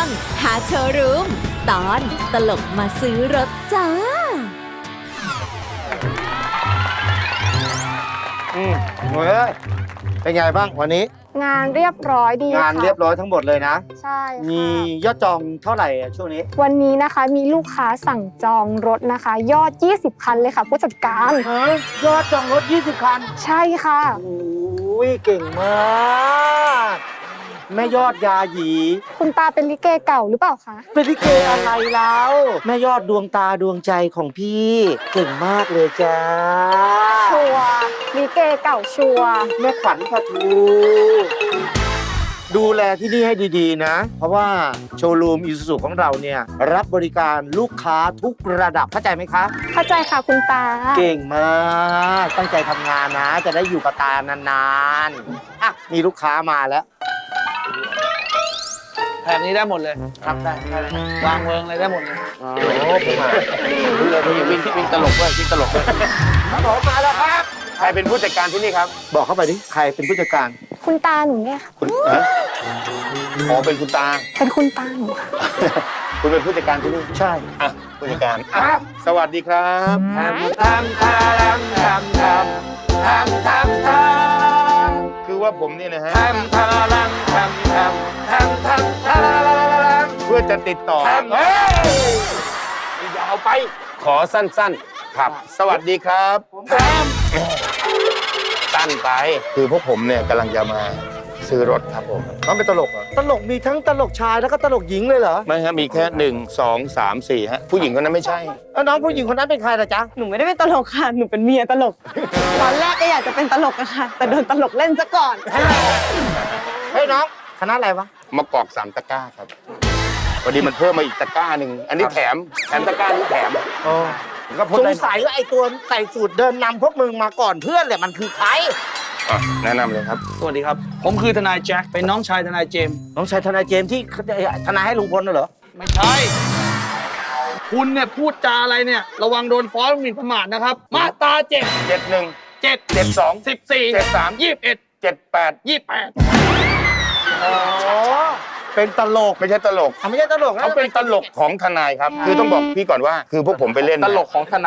งหาโชว์รูมตอนตลกมาซื้อรถจ้าเฮ้ยเป็นไงบ้างวันนี้งานเรียบร้อยดีค่ะงานเรียบร้อยทั้งหมดเลยนะใช่ค่ะมียอดจองเท่าไหร่ช่วงนี้วันนี้นะคะมีลูกค้าสั่งจองรถนะคะ ยอด 20 คันเลยค่ะผู้จัดการยอดจองรถ20 คันใช่ค่ะโอ้ยเก่งมากแม่ยอดยาหยีคุณตาเป็นลิเกเก่าหรือเปล่าคะเป็นลิเกอะไรแล้วแม่ยอดดวงตาดวงใจของพี่เก่งมากเลยจ้าชัวร์ลิเกเก่าชัวร์แม่ขวัญปะทูดูแลที่นี่ให้ดีๆนะ เพราะว่าโชว์รูมอิซูซุของเราเนี่ยรับบริการลูกค้าทุกระดับเข้าใจไหมคะเข้าใจค่ะคุณตาเก่งมากตั้งใจทำงานนะ จะได้อยู่กับตานานๆอ่ะมีลูกค้ามาแล้วแถบนี้ได้หมดเลยครับได้วางเวิงอะไรได้หมดเลยโอ้ผมมาดูเลยวิ่งตลกด้วยวิ่งตลกด้วยครับผมมาแล้วครับใครเป็นผู้จัดการที่นี่ครับบอกเข้าไปดิใครเป็นผู้จัดการคุณตาหนูเนี่ยค่ะคุณอ๋อเป็นคุณตาเป็นคุณตาหนูค่ะคุณเป็นผู้จัดการที่นี่ใช่อ่ะผู้จัดการอ่ะสวัสดีครับทำทำทำทำทำทำทำทำคือว่าผมนี่นะฮะทำทำทำทำทำทำทำทำเพื่อจะติดต่อเฮ้ยยาวไป ขอสั้นๆ ครับ สวัสดีครับสั้นไป คือพวกผมเนี่ยกำลังจะมาซื้อรถครับผมน้องเป็นตลกเหรอตลกมีทั้งตลกชายแล้วก็ตลกหญิงเลยเหรอไม่ฮะมีแค่1 2 3 4ฮะผู้หญิงคนนั้นไม่ใช่แล้วน้องผู้หญิงคนนั้นเป็นใครล่ะจ๊ะหนูไม่ได้เป็นตลกค่ะ หนูเป็นเมียตลก ตอนแรกก็อยากจะเป็นตลกอะค่ะ แต่โดนตลกเล่นซะก่อนเฮ้ยน้องคณะอะไรวะมะกอก3 ตะกร้าครับพอดีมันเพิ่มมาอีกตะกร้าหนึ่งอันนี้แถมตะกร้านี้แถมก็สงสัยว่าไอ้ตัวใส่สูตรเดินนำพวกมึงมาก่อนเพื่อนเลยมันคือใครอ่ะแนะนำเลยครับสวัสดีครับ ผมคือทนายแจ็ค เป็นน้องชายทนายเจมส์น้องชายทนายเจมส์ที่ทนายให้ลุงพลน่ะเหรอไม่ใช่ คุณเนี่ยพูดจาอะไรเนี่ย ระวังโดนฟ้องหมิ่นประมาทนะครับ มาตรา7 71 7 72 14 73 21 78 28 อ๋อ เป็นตลกไม่ใช่ตลกไม่ใช่ตลกนะเขาเป็นตลกของทนายครับ คือต้องบอกพี่ก่อนว่า คือพวกผมไปเล่นตลกของทนาย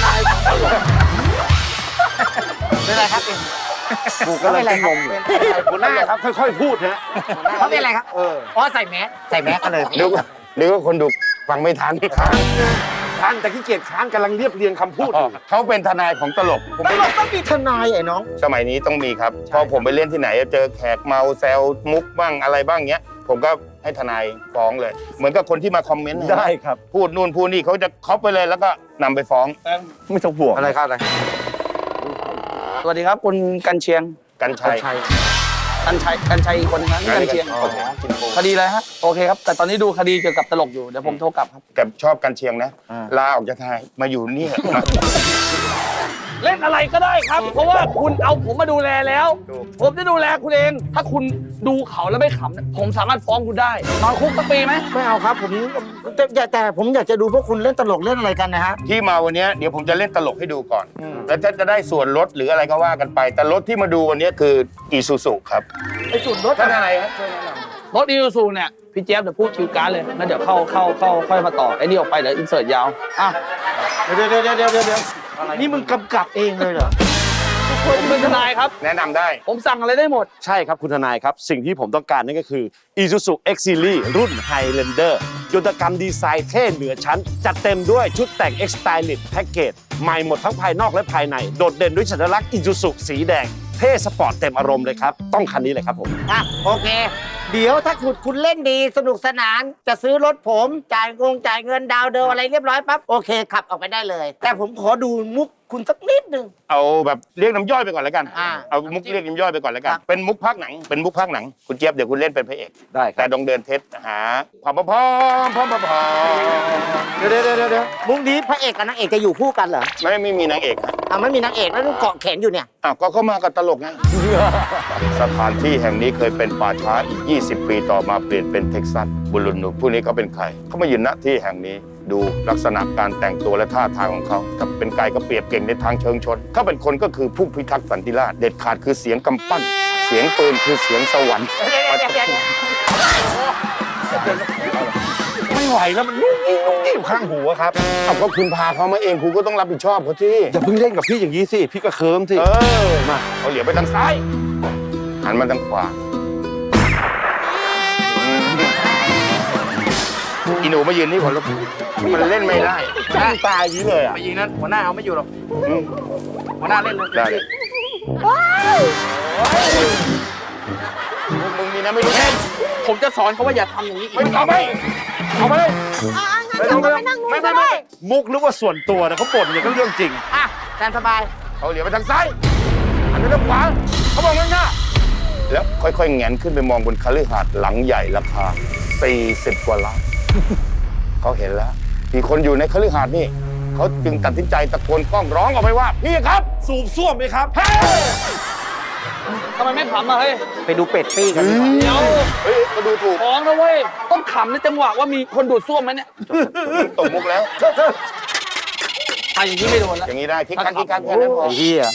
เป็นไรครับเองกูก็เลยงงอยู่หัวหน้าครับค่อยๆพูดนะเขาเป็นอะไรครับอ๋อใส่แมสกันเลยนึกว่าคนดูฟังไม่ทันท่านแต่ขี้เกียจค้านกำลังเรียบเรียงคำพูดอยู่เขาเป็นทนายของตลกผมตไปลกต้องมีทนายไอ้น้องสมัยนี้ต้องมีครับ พอผมไปเล่นที่ไหนเจอแขกเมาแซวมุกบ้างอะไรบ้างเงี้ย ผมก็ให้ทนายฟ้องเลย เหมือนกับคนที่มาคอมเมนต์นะได้ครับพูดนู่นพูดนี่เขาจะคอปไปเลยแล้วก็นำไปฟ้องไม่ต้องห่วงอะไรครับอะไรสวัสดีครับคุณกันเชียงกันชัยกันชัยอีกคนนึงครับนี่กันเชียงโอเคกินปูคดีอะไรฮะ โอเคครับ แต่ตอนนี้ดูคดีเกี่ยวกับตลกอยู่ เดี๋ยวผมโทรกลับครับแต่ชอบกันเชียงนะ ลาออกจากทนายมาอยู่นี่มาเล่นอะไรก็ได้ครับ เพราะว่าคุณเอาผมมาดูแลแล้วถูกผมจะดูแลคุณเอง ถ้าคุณดูเขาแล้วไม่ขำเนี่ยผมสามารถฟ้องคุณได้ นอนคุกสักปีไหมไม่เอาครับผมแต่ผมอยากจะดูพวกคุณเล่นตลกเล่นอะไรกันนะฮะที่มาวันนี้เดี๋ยวผมจะเล่นตลกให้ดูก่อน แล้วจะได้ส่วนลดหรืออะไรก็ว่ากันไป แต่รถที่มาดูวันนี้คืออีซูซุครับไอ้สูตรรถท่านอะไรครับช่วยแนะนำรถอีซูซูเนี่ย พี่เจี๊ยบเดี๋ยวพูดคิวการ์ดเลยงั้นเดี๋ยวเข้าค่อยมาต่อ ไอ้นี่ออกไปเดี๋ยวอินเสิร์ตยาว อ่ะเดี๋ยวนี่มึงกำกับเองเลยเหรอผมเป็นทนายครับแนะนำได้ผมสั่งอะไรได้หมดใช่ครับคุณทนายครับ สิ่งที่ผมต้องการนั่นก็คือ Isuzu X Series รุ่น Highlander ยนตกรรมดีไซน์เท่เหนือชั้น จัดเต็มด้วยชุดแต่ง X Stylish Package ใหม่หมดทั้งภายนอกและภายใน โดดเด่นด้วยสัญลักษณ์ Isuzu สีแดง เท่สปอร์ตเต็มอารมณ์เลยครับ ต้องคันนี้เลยครับผมอ่ะโอเค เดี๋ยวถ้าคุณเล่นดีสนุกสนาน จะซื้อรถผมจ่ายเงินดาวเดิมอะไรเรียบร้อยปั๊บโอเคขับออกไปได้เลย แต่ผมขอดูมุกคุณสักนิดนึงเอาแบบเรียกน้ำย่อยไปก่อนแล้วกันอ่าเอามุกเรียกน้ำย่อยไปก่อนแล้วกันครับเป็นมุกภาคหนัง เป็นมุกภาคหนัง คุณเจี๊ยบเดี๋ยวคุณเล่นเป็นพระเอกได้คแต่รับต้องเดินเทสหาความพร้อมเดี๋ยวมุกนี้พระเอกกับนางเอกจะอยู่คู่กันเหรอไม่มีนางเอกฮะอ่ะไม่มีนางเอกแล้วเกาะแขนอยู่เนี่ยอ้าวก็เข้ามากับตลกไง สถานที่แห่งนี้เคยเป็นป่าช้าอีก 20 ปีต่อมาเปลี่ยนเป็นเท็กซัสบุรุษหนุ่มผู้นี้เขาเป็นใคร เขามายืนณที่แห่งนี้ ดูลักษณะการแต่งตัวและท่าทางของเขาถ้าเป็นไก่ก็เปรียบเก่งในทางเชิงชนเขาเป็นคนก็คือผู้พิทักษ์สันติราษฎร์เด็ดขาดคือเสียงกำปั้น เสียงปืนคือเสียงสวรรค์เดี๋ยวไม่ไหวแล้วมันนุ่งนิ่งนุ่งนิ่งข้างหูอะครับเอาก็คุณพาเขามาเองคุณก็ต้องรับผิดชอบเขาที่อย่าเพิ่งเล่นกับพี่อย่างนี้สิพี่ก็เคิร์มสิมาเขาเหลียวไปทางซ้ายหันมาทางขวาอีหนูมายืนนี่ก่อนลูกมันเล่นไม่ได้ตั้งตายอย่างนี้เลยอ่ะไปยิงนั้นหัวหน้าเอาไม่อยู่หรอกอืมหัวหน้าเล่นเลยได้เลยมึงนี่นะไม่รู้แน่ผมจะสอนเขาว่าอย่าทำอย่างนี้อีกไม่เอาไปเอาไปเลยไม่มุกหรือว่าส่วนตัวนะเขาบ่นอย่างก็เรื่องจริงอ่ะแซมสบายเขาเหลียวไปทางซ้ายหันไปทางขวาเขาบอกง่ายๆแล้วค่อยๆแงนขึ้นไปมองบนคฤหาสน์หลังใหญ่ราคา40 กว่าล้านเขาเห็นแล้วมีคนอยู่ในคฤหาสน์นี่เขาจึงตัดสินใจตะโกนกล้องร้องออกไปว่าพี่ครับสูบซ่วมไหมครับทำไมไม่ขำอ่ะเฮ้ยไปดูเป็ดปี้กันดีกว่าเดี๋ยวเฮ้ยก็ดูถูกฟ้องนะเว้ยต้องขำในจังหวะว่ามีคนดูดซ่วมไหมเนี่ยตกมุกแล้วอ่ะอย่างนี้ไม่โดนแล้วอย่างนี้ได้คิกคักแค่นั้นพอเฮีย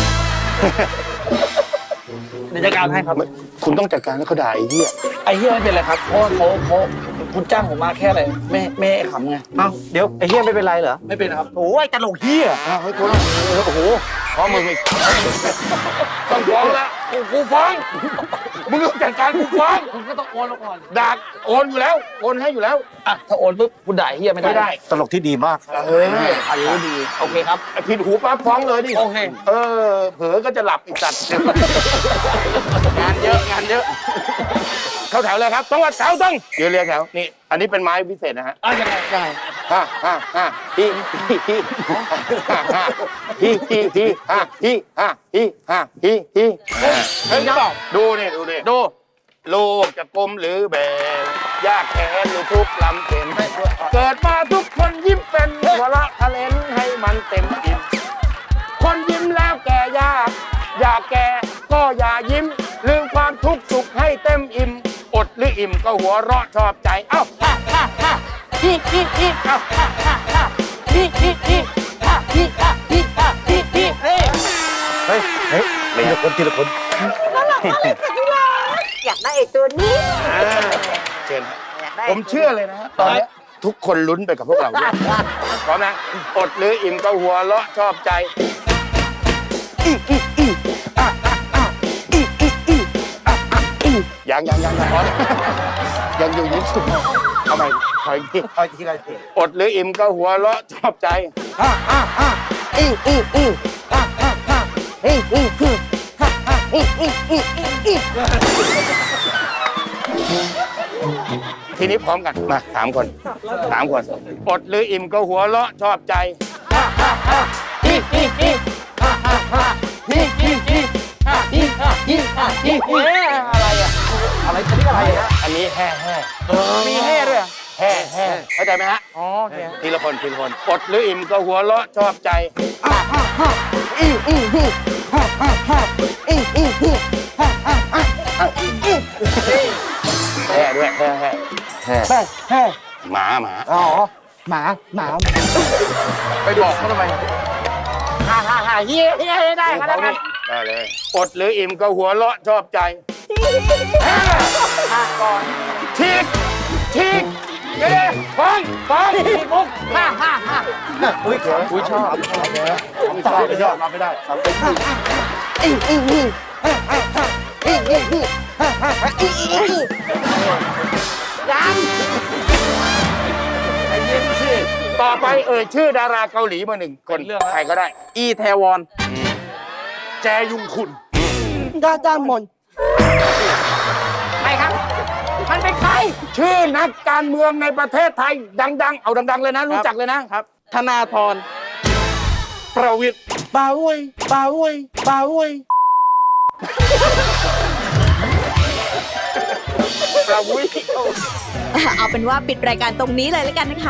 เดี๋ยวจัดการให้ครับคุณต้องจัดการให้เขาด่าไอ้เหี้ยไอ้เฮียไม่เป็นไรครับเพราะว่าเขาคุณจ้างผมมาแค่อะไรไม่ให้ขำไงเอ้าเดี๋ยวไอ้เฮียไม่เป็นไรเหรอไม่เป็นครับโอ้ยตลกเฮียอ้าวเฮ้ยคุณโอ้โหฟ้องมึงอีกต้องฟ้องแล้วกูฟ้องมึงต้องจัดการกูฟ้องคุณก็ต้องโอนแล้วก่อนด่าโอนอยู่แล้วโอนให้อยู่แล้วอ่ะถ้าโอนปุ๊บคุณด่าไอ้เฮียไม่ไม่ได้ตลกที่ดีมากเฮ้ยอันนี้ดีโอเคครับผิดหูปั๊บฟ้องเลยดิโอเคเผลอก็จะหลับอีกสัตว์งานเยอะงานเยอะเข้าแถวเลยครับต้องว่าแถวต้องเดี๋ยวเรียงแถวนี่อันนี้เป็นไม้พิเศษนะฮะอ่ะยังไงฮ่าฮิฮ่าฮิเฮ้ยดูนี่ดู ลูกจะกลมหรือแบนยากแค้นหรือทุกข์ลำเข็นเกิดมาทุกคนยิ้มเป็นหัวเราะทะเลนให้มันเต็มอิ่มคนยิ้มแล้วแก่ยากอยากแก่ก็อย่ายิ้มลืมความทุกข์สุขให้เต็มอิ่มอดหรืออิ่มก็หัวเราะชอบใจเอ้าฮ่าเอ้าฮ่าเฮ้ยทีละคนทีละคนอยากได้ไอ้ตัวนี้เชิญผมเชื่อเลยนะตอนนี้ทุกคนลุ้นไปกับพวกเราด้วยพร้อมนะอดหรืออิ่มก็หัวเราะชอบใจยังพร้อมยังอยู่ยิ้มสุดทำไมคอยทีไรอดหรืออิ่มก็หัวเราะชอบใจทีนี้พร้อมกันมา3 คนอดหรืออิ่มก็หัวเราะชอบใจอะไรอ่ะอะไรอันนี้อะไรอ่ะอันนี้แห่มีแห่ด้วยแห่เข้าใจไหมฮะอ๋อทีละคนอดหรืออิ่มก็หัวเราะชอบใจแห่ด้วยแห่หมาอ๋อหมาไปบอกเขาทำไมเฮียได้ก็แล้วกันได้เลยอดหรืออิ่มก็หัวเราะชอบใจก่อนทีกเด้ฟังทีกมุกอุ้ยชอบรับไม่ได้ต่อไปชื่อดาราเกาหลีมา1 คนใครก็ได้อีแทวอนแจยุงคุณดาจามอนใครครับ มันเป็นใครชื่อนักการเมืองในประเทศไทยดังๆเอาดังๆเลยนะรู้จักเลยนะครับธนาธรประวิตรปาอ้วยประวิตรเอาเป็นว่าปิดรายการตรงนี้เลยแล้วกันนะคะ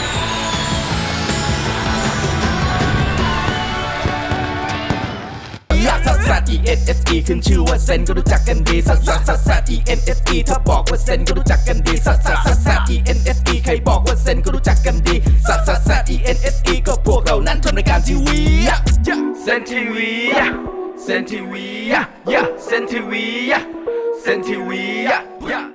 ลักซัสซัส E N S E ขึ้นชื่อว่าเซนก็รู้จักกันดีซัสซัสซัสซัส E N S E ถ้าบอกว่าเซนก็รู้จักกันดีซัสซัสซัสซัส E N S E ใครบอกว่าเซนก็รู้จักกันดีซัสซัสซัส E N S E ก็พวกเรานั้นทำรายการทีวีเซนทีวีเซนทีวีเซนทีวี